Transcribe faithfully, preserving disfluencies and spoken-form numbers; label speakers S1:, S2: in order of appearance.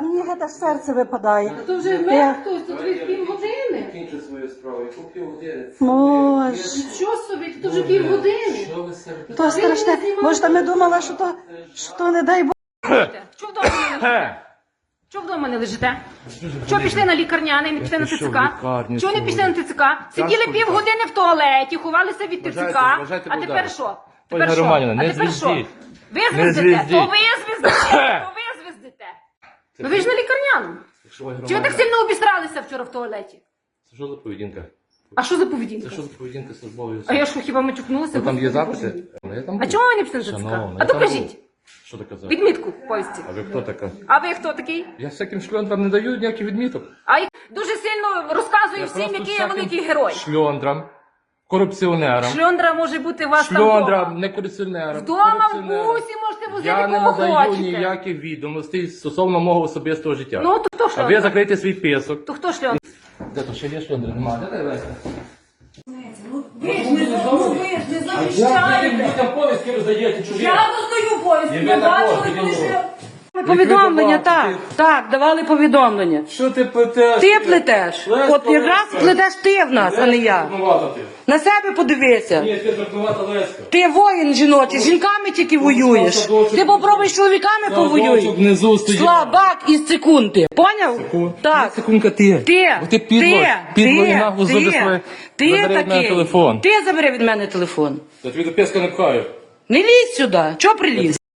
S1: мені геть аж серце випадає.
S2: То вже вмер хтось, тут від півгодини.
S3: Кінчу свою справу, яку півгодини.
S1: Боже.
S2: Що собі, то вже півгодини.
S3: Що ви себе?
S1: То страшне. Може, ми думали, що то, що то не дай Бог.
S2: Що вдома не лежите? Що вдома не лежите? Що пішли на лікарняний, не пішли на ТЦК? Чого не пішли на ТЦК? Сиділи півгодини в туалеті, ховалися від ТЦК. А тепер що? Тепер що? А тепер що? Ви звіздите? То ви звіздите? То ви звіздите? Ну ви ж на лікарняному. Чи ви так сильно обістралися вчора в туалеті?
S3: Це що за поведінка?
S2: А що за
S3: Це
S2: поведінка?
S3: що за поведінка службової
S2: А
S3: особи?
S2: я що, хіба мачукнулася?
S3: Ну, там є
S2: Господи,
S3: записи?
S2: Боже мій.
S3: Ну, я там
S2: А
S3: був.
S2: чому ви не пішли на ТЦК?
S3: Шановна,
S2: А
S3: я
S2: то
S3: там
S2: кажіть.
S3: був. Що ти казав?
S2: Відмітку в повісті.
S3: А ви хто така?
S2: А ви хто такий?
S3: Я всяким шльондрам не даю ніяких відміток.
S2: А я дуже сильно розказую
S3: Я
S2: всім,
S3: просто
S2: який я
S3: всяким
S2: великий герой.
S3: Шльондрам, корупціонерам.
S2: Шльондра може бути у вас там
S3: Шльондрам,
S2: вдома.
S3: не корупціонерам.
S2: Вдома в
S3: корупціонерам.
S2: бусі можете возити
S3: Я не
S2: кого
S3: надаю
S2: хочете.
S3: ніяких відомостей стосовно мого особистого життя.
S2: Ну, то хто
S3: А ви
S2: шльондра?
S3: закрийте свій писок.
S2: То хто шльондра?
S3: Де то ще є шльондри? Нема. Де Леся?
S2: Ви ж не захищаєте.
S3: людям повістки роздаєте чужі?
S2: Я роздаю повістки,
S3: І ви
S2: я
S3: також,
S2: бачила, коли
S3: ідіть.
S2: ще...
S4: Повідомлення,
S3: давали?
S4: так, так, давали повідомлення.
S3: Що ти плетеш?
S4: Ти плетеш.
S3: Лесько,
S4: От якраз
S3: Лесько.
S4: плетеш ти в нас, а не я.
S3: Дурнувата ти.
S4: На себе подивися.
S3: Ні, ти дурнувата Леська.
S4: Ти воїн жіночий, з жінками тільки воюєш.
S3: садочок.
S4: Ти попробуй з чоловіками
S3: Садочок
S4: повоюй.
S3: внизу стоїть.
S4: Слабак із секунди. Поняв?
S3: Секунду.
S4: Так.
S3: Секундка ти.
S4: Ти,
S3: Бо ти підло,
S4: ти,
S3: підло
S4: ти,
S3: і нагло
S4: ти,
S3: зробиш своє.
S4: ти
S3: Забери від мене
S4: такий.
S3: телефон.
S4: Ти забери від мене телефон.
S3: Я тобі до песка не пхаю.
S4: Не лізь сюди. Чого приліз?